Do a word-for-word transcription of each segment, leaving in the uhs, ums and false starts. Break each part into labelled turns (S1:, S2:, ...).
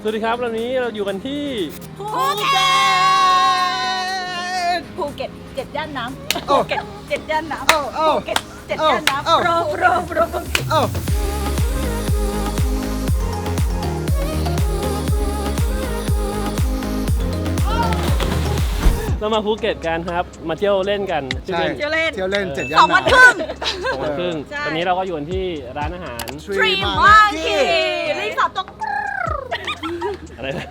S1: สวัสดีครับวันนี้เราอยู่กันที่
S2: ภูเก็ตภูเก็ตเจ็ดย่านน้ำภูเก็ตเจ็ดย่านน้ำภูเก็ตเจ็ดย่านน้ำโปรโปรโปรภูเก็ต
S1: เรามาภูเก็ตกันครับมาเที่ยวเล่นกัน
S3: ใช่
S2: เที่ยวเล่น
S3: เที่ยวเล่นเจ็ดย่าน
S2: สองวันครึ่ง
S1: สองวันครึ่ง
S2: ใช่
S1: ตอนนี้เราก็อยู่กันที่ร้านอาหาร
S2: ทรีมังคีรีสอร์ทตก
S1: อะไรนะ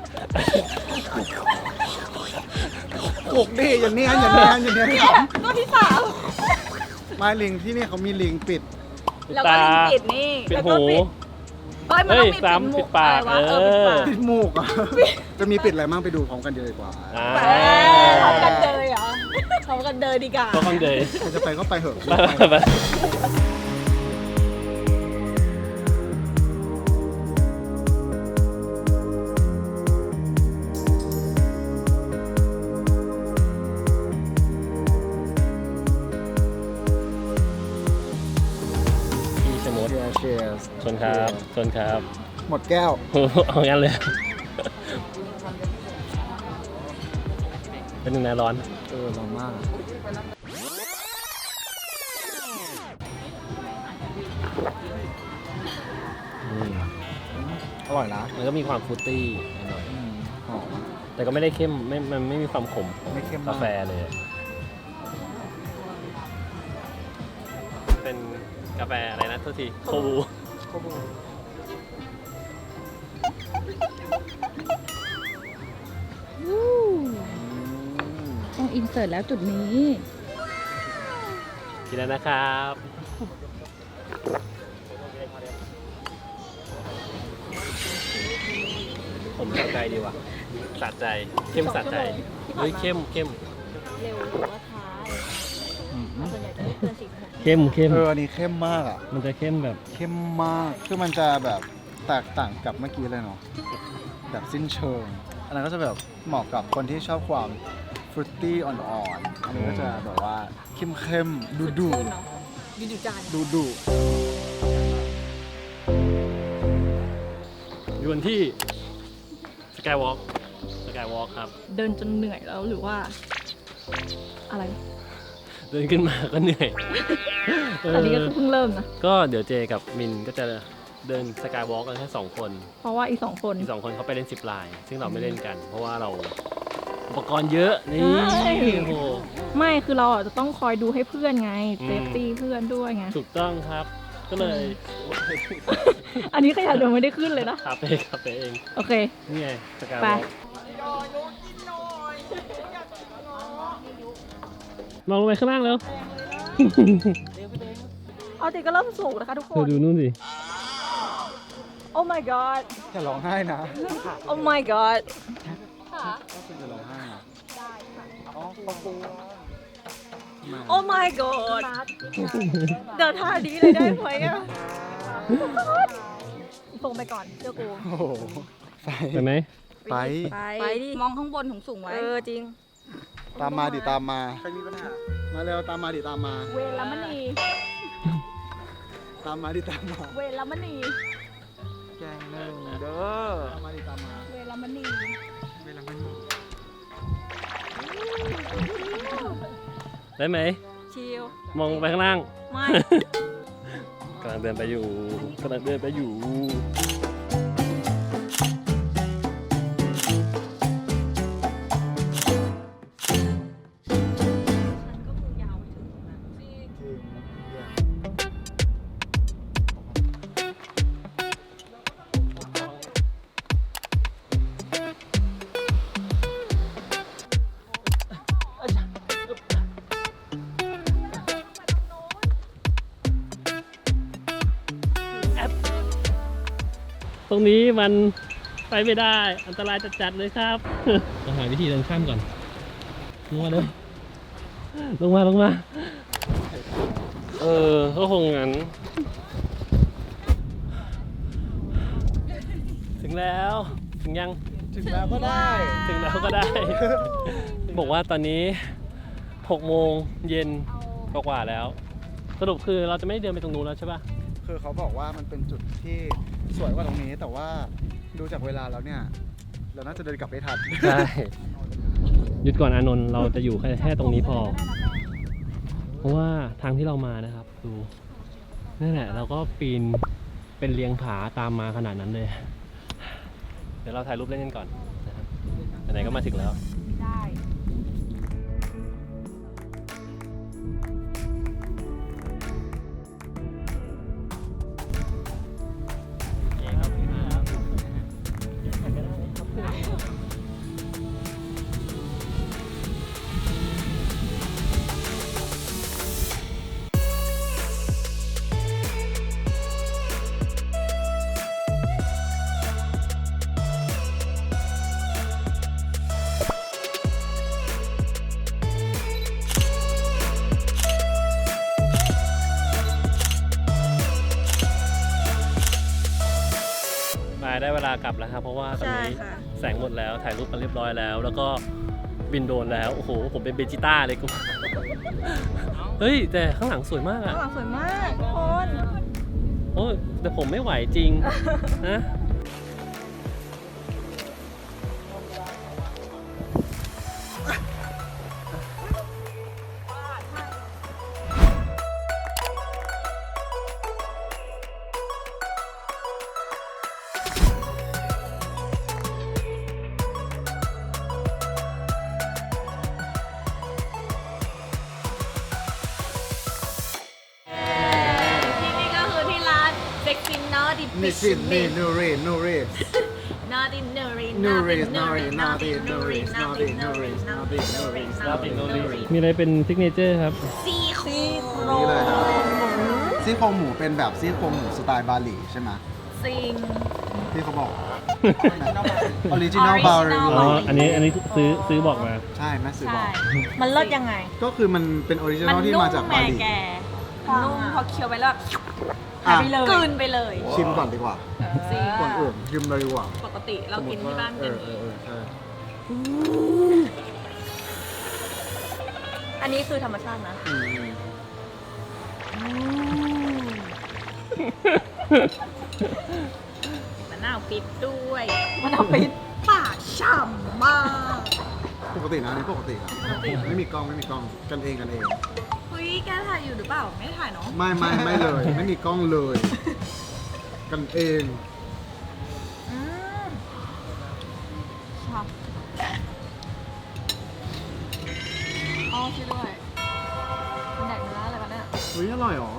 S3: ปลุกดิอย่างนี้อย่างนี้อย่างนี้
S2: เนี่ยตัวที่สาม
S3: มาลิงที่นี่เขามีลิงปิด
S2: แล้วก็ลิงปิดนี่
S1: ปิด
S2: แล้วก็
S1: หู
S2: ปิดเฮ้ยมันต้องมี
S1: เฮ้ยสาม
S2: ปิดหมู
S1: ปิดปาก
S2: อะไรวะเออปิดปาก
S3: ปิดมูกอ่ะจะมีปิดอะไรบ้างไปดูพร้อมกันเยอะดีกว่า
S1: อ่า
S2: แหมทำกันเดยเหรอทำกันเดยดีกว่า
S1: ก็ฟังเดย์
S3: ใครจะไปก็ไปเถอะ
S1: ไปไปไปพี่ชะมด
S3: เชียร์
S1: ชนครับชนครับ
S3: หมดแก้ว
S1: เอางั้นเลย เป็นหนึ่งในร้อน
S3: เออร้อนมากอร่อยนะ
S1: มันก็มีความฟรุตตี้หน่อย
S3: อืมหอม
S1: แต่ก็ไม่ได้เข้มไม่มันไม่มีความขมของ
S3: ไม่เข้มมาก
S1: กาแฟเลย เป็นกาแฟอะไรนะโทษทีโคบู
S3: โคบู
S4: ต้องอินเสิร์ตแล้วจุดนี้
S1: กินแล้วนะครับ ผมสะใจดีว่ะสะใจ เข้มสะใจ เฮ้ยเข้มเข้ม
S2: เร็วหรือว่าช้าส่วนใหญ่จะไม่เกินสี่สิบ
S1: เข้มเข้ม
S3: เอออันนี้เข้มมากอ่ะ
S1: มันจะเข้มแบบ
S3: เข้มมากคือมันจะแบบแตกต่างกับเมื่อกี้เลยเนาะแบบสิ้นเชิง อันนั้นก็จะแบบเหมาะกับคนที่ชอบความฟรุตตี้อ่อนๆอันนี้ก็จะแบบว่าเข้มเข้มๆดูดู
S2: เนาะดูดูจาน
S3: ดูดู
S1: อยู่กันที่สกายวอล์กสกายวอล์กครับ
S4: เดินจนเหนื่อยแล้วหรือว่า อะไร
S1: เดินขึ้นมาก็เหนื่อยเ
S4: ตอนนี้ก็คือเพิ่งเริ่มนะ
S1: ก็เดี๋ยวเจกับมินก็จะเดินสกายวอล์กกันแค่สองคน
S4: เพราะว่าอีกสองคน
S1: อีกสองคนเขาไปเล่นซิปไลน์ซึ่งเราไม่เล่นกัน เพราะว่าเราอุปกรณ์เยอะ นี่
S4: ใช่
S1: โอ้โห
S4: ไม่คือเราอ่ะจะต้องคอยดูให้เพื่อนไง
S1: อืม
S4: เซฟตี้เพื่อนด้วยไง
S1: ถูกต้องครับ ก็เลย
S4: อันนี้ขยะเดินไม่ได้ขึ้นเลยนะ
S1: คาเฟ่คาเฟ่เอง
S4: โอเค
S1: นี่ไงสกายว
S4: ไป
S1: อล์กมองลงไปข้างล่างแล้ว
S4: เอาจริงก็เริ่มสูงนะคะทุกค
S1: เธอน ดูนู่นสิ
S4: โอ้ my god
S3: อย่าร้องไห้นะ
S4: โอ้ my god
S3: ก็คือจะร้องไห้นะได้ค่ะอ๋อขอบคุณ
S4: โอ้ my god เดินท่านี้เลยได้ไหมอ่ะส่งไปก่อนเจ้ากู
S3: โอ้โหไป
S1: ไปไหม
S3: ไป
S2: ไปดิมองข้างบนถุงสูงไว้
S4: เออจริง
S3: ตามมาดิตามมาใครมีปัญหามาเร็วตามมาดิตามมา
S4: เวรมณี
S3: ตามมาดิตามมา
S4: เวรมณี
S3: แกงหนึ่งเด้อตามมาดิตามมา
S4: เวรมณี
S3: เวลามัน
S1: ได้ไหม
S2: ชิล
S1: มองไปข้างล่าง
S2: ไม่
S1: กำลังเดินไปอยู่กำลังเดินไปอยู่ ตรงนี้มันไปไม่ได้อันตรายจัดๆเลยครับเราหาวิธีเดินข้ามก่อนลงมาเลยลงมาลงมาเออก็คงงั้นถึงแล้วถึงยัง
S3: ถึงแล้วก็ได้
S1: ถึงแล้วก็ได้ บอกว่าตอนนี้หกโมงเย็นกว่าๆแล้ว สรุปคือเราจะไม่เดินไปตรงนู้นแล้วใช่ป่ะ
S3: คือเขาบอกว่ามันเป็นจุดที่สวยกว่าตรงนี้แต่ว่าดูจากเวลาแล้วเนี่ย เราน่าจะเดินกลับไม่ทัน
S1: ใช่หยุดก่อนอานนท์เราจะอยู่แค่แค่ตรงนี้พอ เพราะว่าทางที่เรามานะครับดูนั่นแหละเราก็ปีนเป็นเรียงผาตามมาขนาดนั้นเลย เดี๋ยวเราถ่ายรูปเล่นกันก่อนนะครับไหนๆก็มาถึงแล้ว
S2: ได้
S1: มาได้เวลากลับแล้วครับเพราะว่าตอนนี้
S4: ใช่ค่ะ
S1: แสงหมดแล้วถ่ายรูปกันเรียบร้อยแล้ว แล้วก็บินโดรนแล้วโอ้โหผมเป็นเบจิต้าเลยกู เฮ้ยแต่ข้างหลังสวยมาก
S4: ข้า
S1: อะ
S4: งหลังสวยมากทุกคน
S1: โอ้ยแต่ผมไม่ไหวจริง นะ
S4: ที่นี่ก็คือที่ร้านเซ็กซินนอดิ
S3: นิชินนี่นูรีนูรี
S4: นอดินนูริ
S3: นูรินูรินูรินูรินูรินูรินูรินูริ
S1: มีอะไรเป็นซิกเนเจอร์ครับ
S4: ซี่โคร
S3: นี่เลยครับซี่โครงหมูเป็นแบบซี่โครงหมูสไตล์บาหลีใช่ไหม
S4: ซิง
S3: ที่เขาบอกออริจินอลบาหลี
S1: อ๋อ อันนี้อันนี้ซื้อซื้อบอกมา
S3: ใช่แม่ซื้อบอก
S4: มันเลิศยังไง
S3: ก็คือมันเป็นออริจินอลที่มาจากบาหลี
S2: แกนุ่มพอเคี้ยวไปแล้ว
S3: อ่ะ
S2: กลืนไปเลย
S3: ชิมก่อนดีกว่า
S2: จริง
S3: ก่อนอื่นชิมเลยดีกว่า
S2: ปกติเรากินที่บ้าน
S3: เอ
S2: กัน
S3: อเออเออใช่
S4: อันนี้คือธรรมชาตินะ
S3: อืม
S2: มะนาวปิดด้วย
S4: มันเอาปิด
S2: ปากฉ่ำมาก
S3: ปกตินะอันนี่ปกตินะไม่มีกล้องไม่มีกล้องกันเองกันเอง
S2: เฮ้ยแกถ่ายอยู่หรือเปล่า ไม่ถ่ายเนาะ
S3: ไม่ไม่ไม่เลย ไม่มีกล้องเลย กันเอง
S2: อืมชอบอ๋อช่วยด้วยมันแดกเนื้ออะไรกันเนี่ย
S3: เฮ้ยอร่อยเหรอ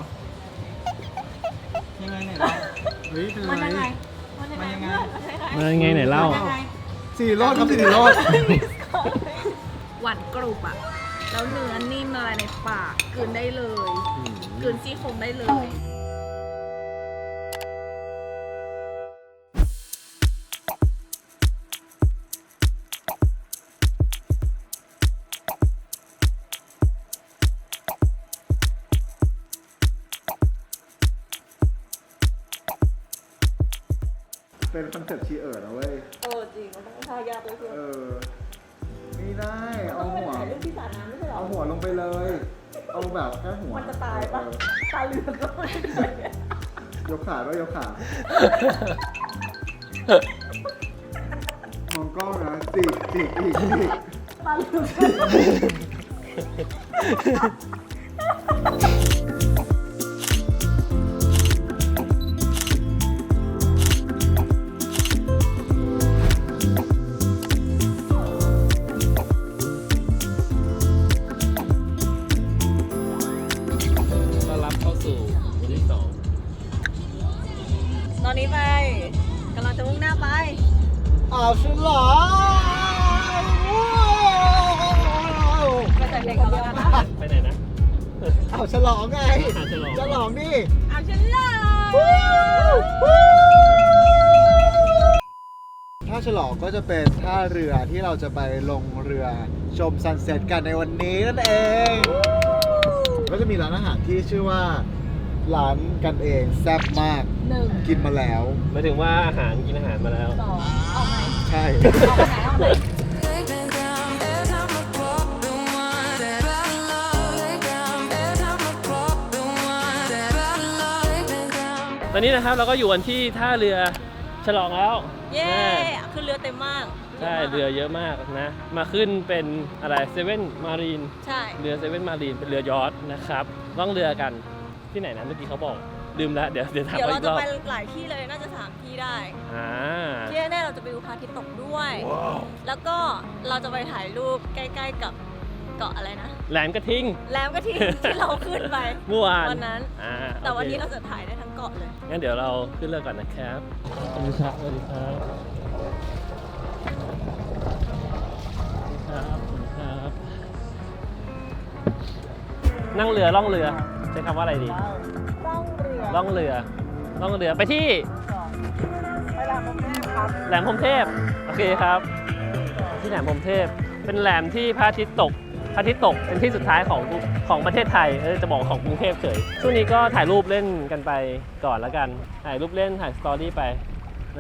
S5: ยังไงเนี่ยเรา
S3: เฮ้ยเป็น
S2: มัน
S3: ไร
S2: ยังไง มันยังไง
S3: มันยังไง
S2: เพื่อนมันยังไง
S1: มายังไงไหนเล่า
S2: มันยังไง
S3: สี่รอดครับสี่รอด
S2: หวานกรุบอะแล้วเนื้อนิ่มละลายในปากกลืนได้เลยกลืนซี่โครงได้เลย
S3: เป็นคอนเซ็ปต์ชีเอิร์ดนะเว้ย
S4: เออจริง มันต้องท่ายากเลยเพื่อน
S3: เออ ไม่ได้ เอาหัว
S4: ถ่ายรูปที่สระน้ำไม่ใช่เหรอ
S3: เอาหัวลงไปเลย เอาแบบแค่หัว
S4: มันจะตายปะ
S3: เออ
S4: ตาเหลือกก็ไม่
S3: ยกขาด้วยยกขา มองกล้องนะจีกจีกอีกจีก
S4: ตาเหลือก
S1: ต้อนรับเข้าสู่วันที่สอง
S4: ตอนนี้ไปกำลังจะมุ่งหน้าไป
S3: อ้าวฉันเหรอ
S4: ไปใส่เพลงเขาแล้วกันนะ
S1: ไปไหนนะ
S3: อ้าวฉลองไง
S1: อ่ะฉลอง
S3: ฉลองนี่
S2: เอาฉันเลย
S3: ท่าฉลองก็จะเป็นท่าเรือที่เราจะไปลงเรือชมซันเซ็ตกันในวันนี้นั่นเอง ก็จะมีร้านอาหารที่ชื่อว่าร้านกันเองแซ่บมาก
S4: หนึ่ง
S3: กินมาแล้ว
S1: หมายถึงว่าอาหารกินอาหารมาแล้ว
S4: สองเอาไหน
S3: ใช่
S4: เอาไหนเอาไหน
S1: ตอนนี้นะครับเราก็อยู่กันที่ท่าเรือฉลองแล้ว
S4: เเย้คือเรือเต็มมาก
S1: ใช่เรือเยอะมากนะ มาขึ้นเป็นอะไรเซเว่นมารีน
S4: ใช่
S1: เรือเซเว่นมารีนเป็นเรือยอชต์นะครับล่องเรือกันที่ไหนนะเมื่อกี้เขาบอกลืมแล้วเดี๋ยวเดี๋ยวถาม
S4: เดี๋ยว
S1: เขา
S4: เรา
S1: อีกรอบ
S4: จะไปหลายที่เลยน่าจะสามที่ได้
S1: อ่า
S4: ที่แน่ๆเราจะไปดูพระอาทิตย์ตกด้วย แล้วก็เราจะไปถ่ายรูปใกล้ๆกับเกาะอะไรนะ
S1: แหลมกระทิง
S4: แหลมกระทิง ที่เราขึ้นไป
S1: เมื่อวาน
S4: วันนั้น
S1: อ่า
S4: แต่วันนี้
S1: โอ
S4: เรา
S1: เค
S4: จะถ่ายได้ทั้งเกาะเลย
S1: งั้นเดี๋ยวเราขึ้นเรือก่อนนะครับสวัสดีครับสวัสดีครับสวัสดีครับสวัสดีครับ นั่งเรือล่องเรือใช้คำว่าอะไรดี
S2: ต้องเรือ
S1: ล่องเรือล่องเรือไปที่
S2: ไปแหลมพรหมเทพครับ
S1: แหลมพรหมเทพโอเคครับ ที่แหลมพรหมเทพเป็นแหลมที่พระอาทิตย์ตกพระอาทิตย์ตกเป็นที่สุดท้ายของของประเทศไทยเออจะบอกของกรุงเทพเฉยช่วงนี้ก็ถ่ายรูปเล่นกันไปก่อนแล้วกันถ่ายรูปเล่นถ่ายสตอรี่ไปนะ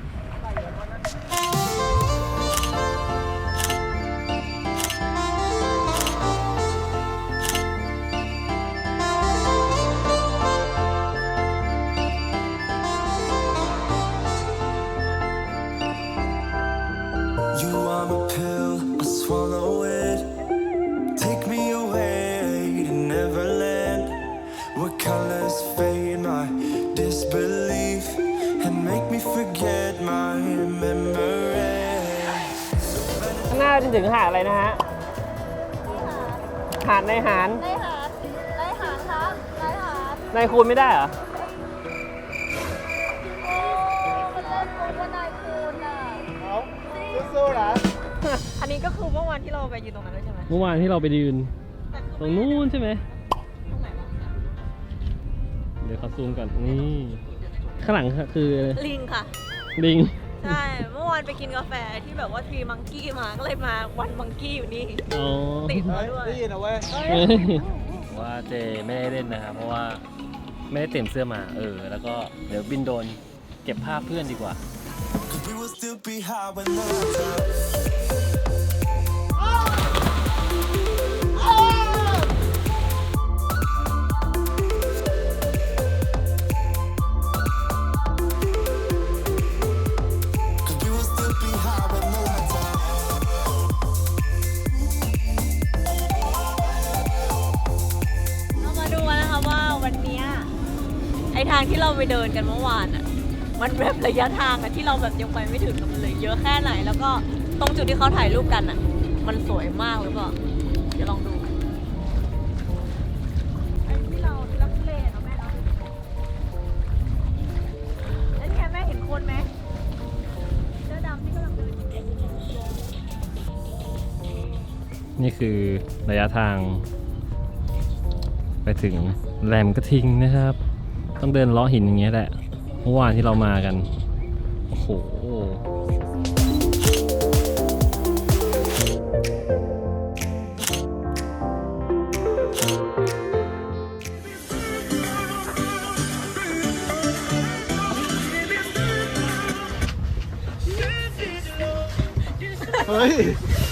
S5: You are my pill, I swallow it. Take me away to Neverland, where colors fade my disbelief and make me forget my memories.
S1: ข้างหน้าจะถึงหาดอะไรนะฮะหาดในหาร
S2: ได้หาดได้หาดครับได้หาด
S1: ในคูณไม่ได้เหรอ
S2: โอ้มันเล่นคูณว่านายคูณอ่ะ
S3: เอาสู้ๆนะ
S4: อันนี้ก็คือเมื่อวานที่เราไปยืนตรงนั้นด้วยใช่ไหม
S1: เมื่อวานที่เราไปยืนตรงนู้นใช่ไหม
S4: ตรงไหนวะ
S1: เดี๋ยวเขาซูมก่อนนี่ข้างหลังคือ
S4: ลิงค่ะ
S1: ลิง
S4: ใช่ เมื่อวานไปกินกาแฟที่แบบว่าทรีมังกี้มา ก็เลยมาวันมังกี้อยู่นี่
S1: อ๋อ
S4: ติดมาด้วย
S3: ได้ยินนะเว้ย
S1: ว่าเจไม่ได้เล่นนะครับเพราะว่าไม่ได้เตรียมเสื้อมาเออแล้วก็เดี๋ยวบินโดนเก็บภาพเพื่อนดีกว่า
S5: 'Cause we will still be high when the lights out. Cause we will still be high when the lights out.
S4: เรามาดูกันนะคะว่าวันเนี้ยไอทางที่เราไปเดินกันเมื่อวานอะมันแบบระยะทางอะที่เราแบบยังไปไม่ถึงกับมันเลยเยอะแค่ไหน แล้วก็ตรงจุดที่เขาถ่ายรูปกันอะมันสวยมากหรือเปล่าเดี๋ยวลองดูไอ้ที่เราลักเลเนาะแม่เนาะแล้วเนี่ยแม่เห็นคนไหมเสื้อดำที่กำลังเดินอยู่
S1: นี่คือระยะทาง ไปถึงแหลมกระทิงนะครับ ต้องเดินเลาะหินอย่างเงี้ยแหละเมื่อวานที่เรามากันโอ้โห
S3: เฮ้ย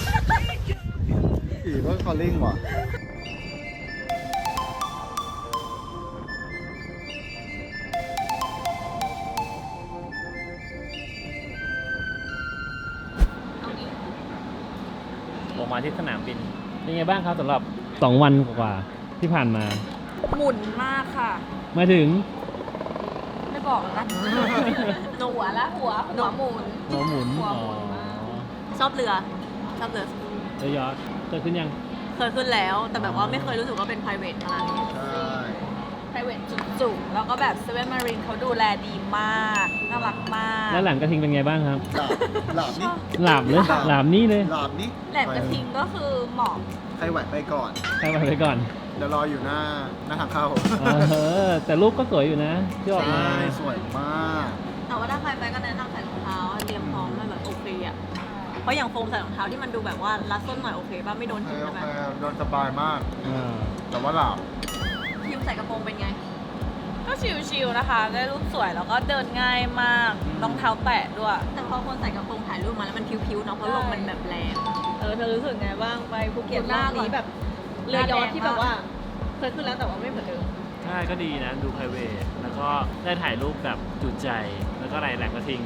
S3: อีว่าคอลลิ่งว่ะ
S1: ลงมาที่สนามบินเป็นไงบ้างครับสำหรับสองวันกว่าๆที่ผ่านมา
S4: หมุนมากค่ะ
S1: มาถึง
S4: ไม่บอกแล้วกัน หนูหัวละหัวหัวหมุน
S1: หัวหมุน
S4: หัว
S1: อ๋อ
S4: หมุนมาก ชอบเรือ ชอบเรือ
S1: เรือยอชต์เกิดขึ้นยัง
S4: เคยขึ้นแล้ว แต่แบบว่าไม่เคยรู้สึกว่าเป็น private ขนาดนี้
S3: ใช่
S4: private จุกๆ แล้วก็แบบเซเว่นมารีนเขาดูแลดีมาก น่ารักมาก
S1: แล้วแหลมกระทิงเป็นไงบ้างครับ
S3: หลาบหลาบนี่
S1: หลาบเลยหลาบนี่เลย
S3: หลาบนี่
S4: แหลมกระทิงก็คือเหมาะ
S3: ใครไหวไปก่อน
S1: ใครไปไปก่อน
S3: เดี๋ยวรออยู่หน้าหน้าทางเข้า
S1: เออแต่รูปก็สวยอยู่นะที่ออกมา
S3: ใช่สวยมาก
S4: แต่ว่าถ้าใครไปก็แนะนำใส่รองเท้าเตรียมพร้อมมาแบบโอเคอ่ะ เพราะอย่างโฟมใส่รองเท้าที่มันดูแบบว่ารัดส้นหน่อยโอเคป่ะไม่โดน
S3: โอเค
S4: หิน
S3: โอ
S4: ใช่ไหม
S3: เคโดนสบายมาก
S1: อ่า
S3: แต่ว่าหลับ
S4: พิมใส่กระโปรงเป็นไง
S6: ก็ชิลๆนะคะ ได้รูปสวยแล้วก็เดินง่ายมากรองเท้าแตะด้วย
S4: แต่พอคนใส่กระโปรงถ่ายรูปมาแล้วมันพิ้วๆเนาะเพราะลมมันแบบแรง
S6: เออเธอรู้สึกไงบ้างไปภูเก็ต
S4: หน้าร
S6: อบนี้
S4: ก่อน
S6: แบบเรือยอชต์ที่แบบว่าเคยขึ้นแล้วแต่ว่าไม่เหมือนเดิม
S1: ใช่ก็ดีนะดู private แล้วก็ได้ถ่ายรูปแบบจุใจ แล้วก็อะไรแหลมกระทิง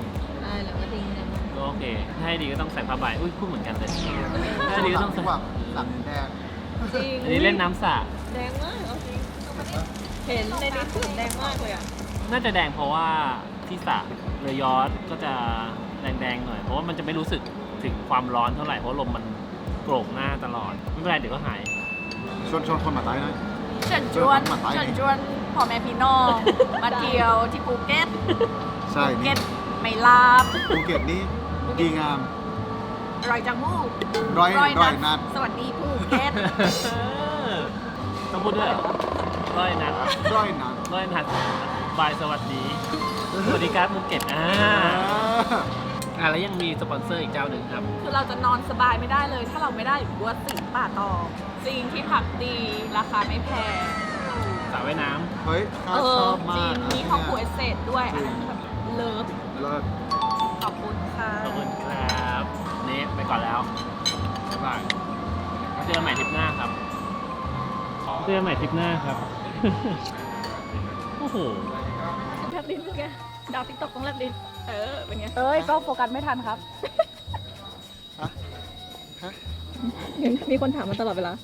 S2: ได้แล้วก็ทิ้งเลย
S1: ก็โอเคถ้าให้ดีก็ต้องใส่ผ้าใบอุ้ยพูดเหมือนกันเลยถ้าให้ดีก็ต้องใส่
S3: แบบหลังแดง
S4: จริง
S1: อันนี้เล่นน้ำสระ
S4: แดงมากเอาจริงเห็นในนี้ถึงแดงมากเลยอ่ะ
S1: น่าจะแดงเพราะว่าที่สระเรือยอชต์ก็จะแดงๆหน่อยเพราะว่ามันจะไม่รู้สึกถึงความร้อนเท่าไหร่เพราะลมมันโกรกหน้าตลอดไม่เป็นไรเดี๋ยวก็หาย
S3: ชวนชวนคนมาใต้หน่อย
S6: เชิญชวนเชิญชวนพ่อแม่พี่น้องมาเที่ยวที่ภูเก็ต
S3: ใช่
S6: ภู
S3: นี่
S6: เก็ตไม่ลาบ
S3: ภูเก็ตนี่ดีงาม
S6: รอยจังมูก
S3: ร้อยร้อยนัด
S6: สวัสดีภูเก็ต
S1: ต้องพูดด้วยร้อยนัด
S3: ร้อยนัด
S1: ร้อยนัดบายสวัสดีสวัสดีครับภูเก็ตอ่าอ่าแล้วยังมีสปอนเซอร์อีกเจ้าหนึ่งครับ
S6: คือเราจะนอนสบายไม่ได้เลย ถ้าเราไม่ได้บัวสิงป่าตองจริงที่พักดีราคาไม่แพง
S1: สระว่ายน้
S3: เฮ้ยข้า
S6: เอ
S3: ช
S6: อ
S3: อบ
S6: จ
S3: มา
S6: ริ
S3: ก
S6: ง
S3: นะ
S6: มีห้องครัวเศษด้วยอันนั้นแบบเลิฟ
S3: เลิศ
S6: ขอบคุณค่ะ
S1: ำขอบคุณครับนี่ไปก่อนแล้วบ๊ายบายเจอกันใหม่ทริปหน้าครับเจอกันใหม่ทริปหน้าครับ โอ้โห
S2: แลบลิ้นเป็นไงดาวติ๊กต็อกต้องแลบลิ้น
S6: เออ เป็นไง
S2: เอ้ยก็โฟกัสไม่ทันครับ
S3: ฮะฮะ
S2: มีคนถามมาตลอดเวลา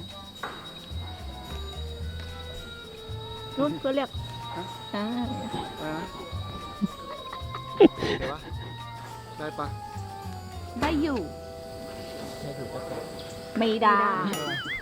S2: รุ่นเพื่อเรียกอ่า
S3: อะไรนะเดี๋ยววะได้ปะ
S2: ได้อยู่ ไม่ได้
S3: เออ